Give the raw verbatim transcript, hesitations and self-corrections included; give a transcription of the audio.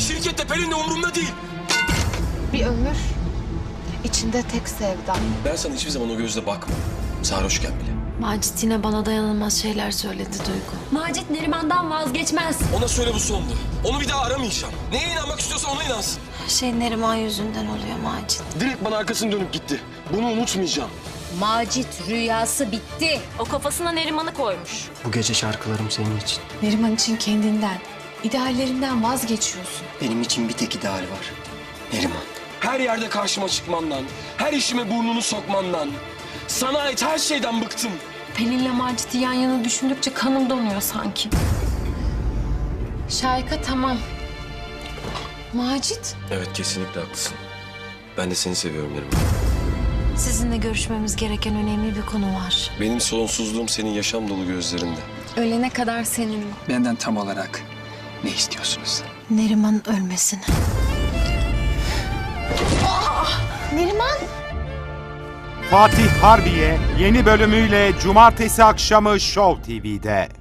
şirkette Pelin de umurumda değil. Bir ömür içinde tek sevda. Ben sana hiçbir zaman o gözle bakmadım. Sarhoşken bile. Macit yine bana dayanılmaz şeyler söyledi Duygu. Macit Neriman'dan vazgeçmez. Ona söyle bu sondu. Onu bir daha aramayacağım. Neye inanmak istiyorsa ona inansın. Her şey Neriman yüzünden oluyor Macit. Direkt bana arkasını dönüp gitti. Bunu unutmayacağım. Macit rüyası bitti. O kafasına Neriman'ı koymuş. Bu gece şarkılarım senin için. Neriman için kendinden, ideallerinden vazgeçiyorsun. Benim için bir tek ideal var. Neriman. Her yerde karşıma çıkmandan, her işime burnunu sokmandan, sana ait her şeyden bıktım. Pelin'le Macit'i yan yana düşündükçe kanım donuyor sanki. Şahika tamam. Macit? Evet, kesinlikle haklısın. Ben de seni seviyorum Neriman. Sizinle görüşmemiz gereken önemli bir konu var. Benim sonsuzluğum senin yaşam dolu gözlerinde. Ölene kadar seninle. Benden tam olarak ne istiyorsunuz? Neriman'ın ölmesini. Neriman? Fatih Harbiye yeni bölümüyle cumartesi akşamı Show T V'de.